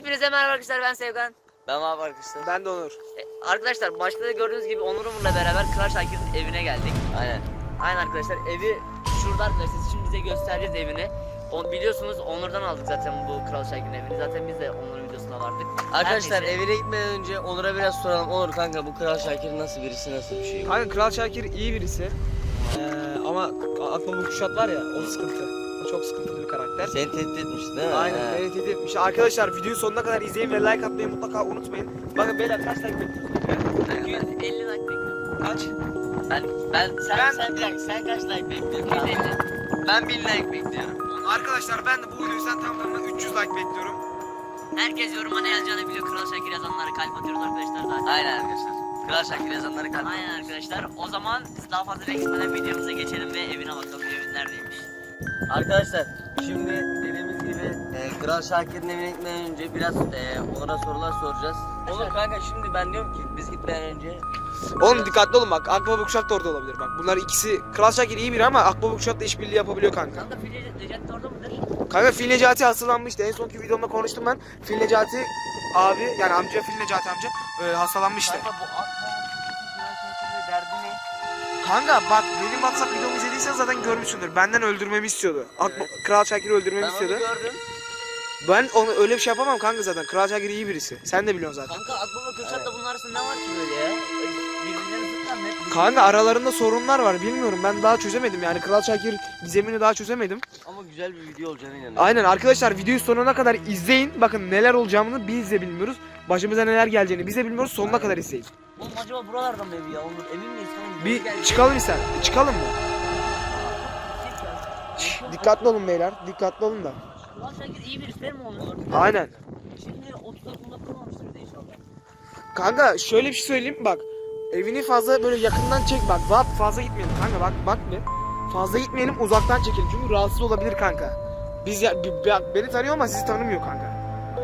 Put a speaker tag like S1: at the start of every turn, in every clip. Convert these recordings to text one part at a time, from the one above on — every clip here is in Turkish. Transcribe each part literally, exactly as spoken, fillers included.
S1: Hepinize merhaba arkadaşlar, ben Sevgan.
S2: Ben abi arkadaşlar.
S3: Ben de Onur.
S1: E, arkadaşlar başta da gördüğünüz gibi Onur Umur'la beraber Kral Şakir'in evine geldik.
S2: Aynen.
S1: Aynen arkadaşlar, evi şurada arkadaşlar, şimdi size göstereceğiz evini. O, biliyorsunuz Onur'dan aldık zaten bu Kral Şakir'in evini. Zaten biz de Onur'un videosuna vardık.
S2: Arkadaşlar
S1: Her neyse.
S2: evine gitmeden önce Onur'a biraz soralım. Onur kanka, bu Kral Şakir nasıl birisi, nasıl bir şey?
S3: Kanka Kral Şakir iyi birisi. Ee, ama aklıma bu Kuşat var ya, o sıkıntı. O çok sıkıntılı bir karakter.
S2: Seni tehdit etmiş değil mi?
S3: Aynen,
S2: He.
S3: beni tehdit etmiş. Arkadaşlar videoyu sonuna kadar izleyin ve like atmayı mutlaka unutmayın. Bakın beyler, kaç like bekliyorsunuz?
S1: iki yüz elli like bekliyorum.
S3: Kaç?
S1: Ben, ben, sen,
S3: Ben-
S1: sen, sen, sen kaç like bekliyorsun? iki yüz elli.
S2: Ben bin like bekliyorum.
S3: Arkadaşlar ben de bu videoyu sen tam tamına üç yüz like bekliyorum.
S1: Herkes yoruma ne yazacağını biliyor. Kral Şakir yazanlara kalp atıyoruz arkadaşlar zaten.
S2: Aynen arkadaşlar. Kral Şakir yazanları kalp.
S1: Aynen arkadaşlar. O zaman biz daha fazla beklemeden videomuza geçelim ve evine bakalım. Evin neredeymiş?
S2: Arkadaşlar şimdi dediğimiz gibi e, Kral Şakir'in evine gitmeden önce biraz e, Onur'a sorular soracağız. Onur kanka, şimdi ben diyorum ki biz gitmeden önce
S3: Oğlum dikkatli olun bak, Akbaba Kuşat da orada olabilir bak. Bunlar ikisi, Kral Şakir iyi biri ama Akbaba Kuşat da işbirliği yapabiliyor kanka.
S1: Kanka Fili Recep de orada mıdır?
S3: Kanka Fil Necati hastalanmıştı. En sonki videomda konuştum ben. Fil Necati abi, yani amca, Fil Necati amca e, hastalanmıştı.
S2: kanka bu Akbaba Kral Şakir'in derdi ne?
S3: Kanka bak, benim WhatsApp videomu izlediysen zaten görmüşsündür. Benden öldürmemi istiyordu. Ak-
S2: Evet.
S3: Kral Şakir'i öldürmemi
S2: Ben onu
S3: istiyordu.
S2: gördüm.
S3: Ben onu öyle bir şey yapamam kanka zaten. Kral Şakir iyi birisi. Sen de biliyorsun zaten.
S1: Kanka Akbaba Kürşat'la bunun arasında ne var ki böyle ya? Birbirlerine zıtlar mı? Hep
S3: Kanka aralarında sorunlar var, bilmiyorum, ben daha çözemedim yani. Kral Şakir gizemini daha çözemedim.
S2: Ama güzel bir video olacağına inanıyorum.
S3: Aynen arkadaşlar, videoyu sonuna kadar izleyin. Bakın neler olacağını biz de bilmiyoruz. Başımıza neler geleceğini biz de bilmiyoruz. Sonuna kadar izleyin.
S1: Oğlum acaba buralardan mı evi ya? Onur emin miyiz? Kanka,
S3: Bir
S1: geldi.
S3: çıkalım ister. Çıkalım mı? Şşş, dikkatli olun beyler. Dikkatli olun da.
S1: Kral Şakir iyi birisi değil mi Onur?
S3: Aynen.
S1: Şimdi otuz dakikada kurmamıştır bir de inşallah.
S3: Kanka şöyle bir şey söyleyeyim bak. Evini fazla böyle yakından çek bak. Bak fazla gitmeyelim kanka, bak bak bir. Fazla gitmeyelim, uzaktan çekelim çünkü rahatsız olabilir kanka. Biz ya, bi- bi- beni tanıyor ama sizi tanımıyor kanka.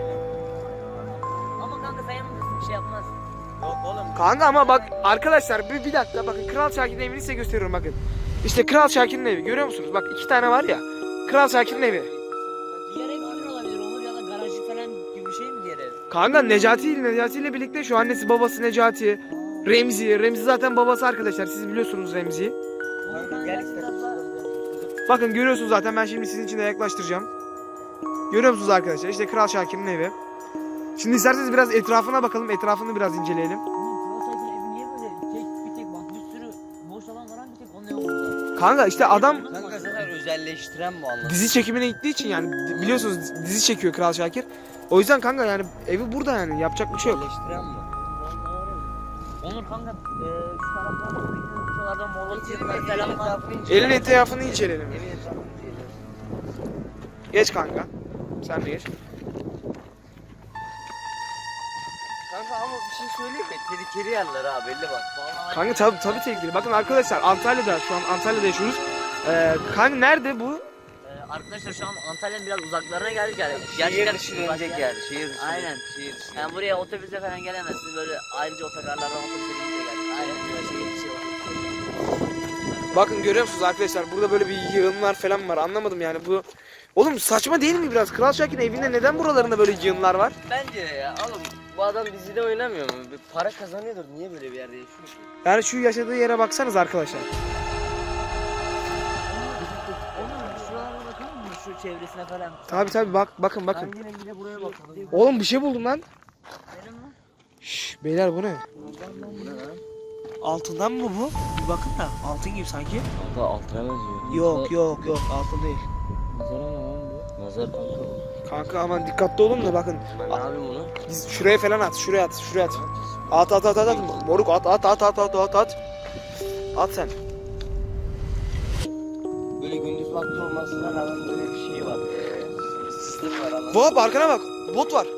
S1: Ama kanka sen yanımdasın, bir şey yapmaz.
S2: Yok oğlum.
S3: Kanka ama bak arkadaşlar, bir, bir dakika bakın, Kral Şakir'in evini size gösteriyorum bakın. İşte Kral Şakir'in evi, görüyor musunuz? Bak iki tane var ya. Kral Şakir'in evi.
S1: Diğer ev kimin olabilir Onur, ya da garajı falan gibi bir şey mi diğer ev?
S3: Kanka Necati, Necati ile birlikte şu annesi babası Necati. Remzi, Remzi zaten babası arkadaşlar, siz biliyorsunuz Remzi'yi.
S1: Onur ben
S2: Gel
S1: gerçekten
S3: Bakın görüyorsunuz zaten, ben şimdi sizin için de yaklaştıracağım. Görüyor musunuz arkadaşlar? İşte Kral Şakir'in evi. Şimdi isterseniz biraz etrafına bakalım, etrafını biraz inceleyelim.
S1: Oğlum Kral Şakir'in evi niye böyle tek bir tek bak, bir sürü boş alan var ama bir tek onun evi burada.
S3: Kanka işte adam
S2: Kanka zaten özelleştiren bu anlamda.
S3: dizi çekimine gittiği için, yani biliyorsunuz dizi çekiyor Kral Şakir. O yüzden kanka yani evi burada, yani yapacak bir şey yok.
S2: Özelleştiren bu.
S1: Onur kanka e, şu taraflarda bekliyoruz, şuralarda morlu çizgiler falan var.
S3: Elin etrafını inceleyelim.
S2: Evin etrafını inceleyelim.
S3: Geç kanka. Sen de geç.
S2: Kanka ama bir şey söyleyeyim mi? Tehlikeli yerler ha, belli bak.
S1: Vallahi
S3: Kanka tabi tabi tehlikeli. Bakın arkadaşlar, Antalya'da, şu an Antalya'da yaşıyoruz. Ee, kanka nerede bu?
S1: e, arkadaşlar şu an Antalya'nın biraz uzaklarına geldik yani.
S2: Şehir dışı
S1: uzak
S2: dönecek
S1: yer.
S2: yani. Şehir dışı.
S1: Aynen.
S2: Şehir dışı.
S1: Yani buraya otobüse falan gelemezsiniz, böyle ayrıca otogarlardan otobüse gidince geldik. Aynen böyle şey bir şey var.
S3: Bakın görüyor musunuz arkadaşlar, burada böyle bir yığınlar falan var, anlamadım yani bu. Oğlum saçma değil mi biraz? Kral Şakir'in evinde neden buralarında böyle yığınlar var?
S2: Bence de ya oğlum, bu adam dizide oynamıyor mu? Bir para kazanıyordur. Niye böyle bir yerde yaşıyor ki?
S3: Yani şu yaşadığı yere baksanız arkadaşlar.
S1: Onun şuralara bakalım mı, şu çevresine falan?
S3: Tabi tabi bak, bakın bakın.
S1: Ben yine yine buraya bakalım.
S3: Oğlum bir şey buldum lan.
S1: Benim mi?
S3: Şşş beyler, bu ne?
S2: Bu ne lan?
S3: Altından mı bu? Bir bakın da, altın gibi sanki.
S2: Kanka altına benziyor.
S3: Yok yok yok, altın değil.
S2: Nazar mı lan bu? Nazar kanka bu.
S3: Kanka aman dikkatli olun da bakın.
S2: Ben ne yapayım bunu?
S3: Biz şuraya falan at, şuraya at, şuraya at. At at at at at. Moruk at at at at at at at. At sen.
S2: Böyle gündüz vakti olmasına rağmen böyle bir şey var. Ee, sistem var anladın mı?
S3: Vahap arkana bak. Bot var.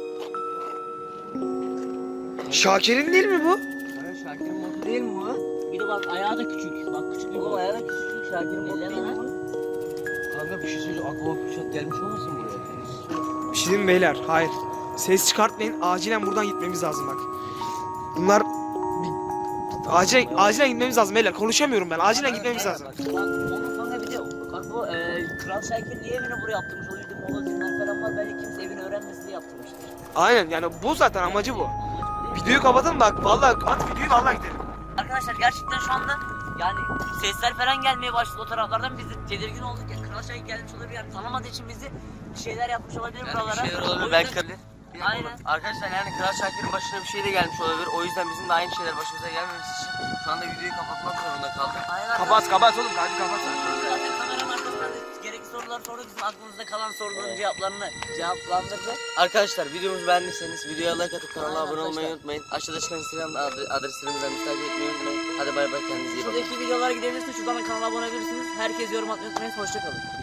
S3: Şakir'in değil mi bu?
S2: Kanka Şakir'in modu değil mi bu?
S1: Bir de bak ayağı da küçük. Bak küçük bir
S2: Oğlum
S1: bot.
S2: ayağı da küçücük, Şakir'in modu değil
S1: Elleme
S2: mi
S1: lan.
S2: bu? Kanka bir şey söyleyeceğim. Aklıma Kuşat gelmiş olmasın buraya?
S3: Bir şey diyeyim mi beyler? Hayır. Ses çıkartmayın. Acilen buradan gitmemiz lazım bak. Bunlar bir... acilen acilen gitmemiz lazım beyler. Konuşamıyorum ben. Acilen gitmemiz lazım.
S1: Bak onun kanka bir de bak bu e, Kral Şakir niye evini buraya yaptırmış? O yüzden mola zinler falan var. Belki kimse evini öğrenmesin diye yaptırmıştır.
S3: Aynen yani bu zaten amacı bu. Videoyu kapatalım bak vallahi at videoyu vallahi gidelim.
S1: Arkadaşlar gerçekten şu anda yani sesler falan gelmeye başladı o taraflardan, biz de tedirgin olduk ya. Kral Şakir gelmiş olabilir yani, tanımadığı için bizi bir şeyler yapmış olabilir
S2: Yani
S1: buralara.
S2: bir şeyler
S1: O
S2: olabilir
S1: yüzden-
S2: belki de.
S1: Aynen.
S2: Arkadaşlar yani Kral Şakir'in başına bir şey de gelmiş olabilir. O yüzden bizim de aynı şeyler başımıza gelmemesi için şu anda videoyu kapatmak zorunda kaldık.
S1: Aynen.
S3: Kapat kapat oğlum hadi kapat.
S1: Zaten kameranın arkasında da gerekli sorular sorduk, bizim aklımızda kalan soruların cevaplarını cevaplandırdı.
S2: Arkadaşlar videomuzu beğendiyseniz videoya like atıp kanala
S1: Aynen
S2: abone olmayı
S1: arkadaşlar.
S2: unutmayın. Aşağıda çıkan Instagram adre- adreslerimizden bizi takip etmeyi unutmayın. Hadi bay bay, kendinize iyi bakın.
S1: Şuradaki videolara gidebilirsiniz, şuradan da kanala abone olabilirsiniz. Herkes yorum atmayı unutmayın, hoşçakalın.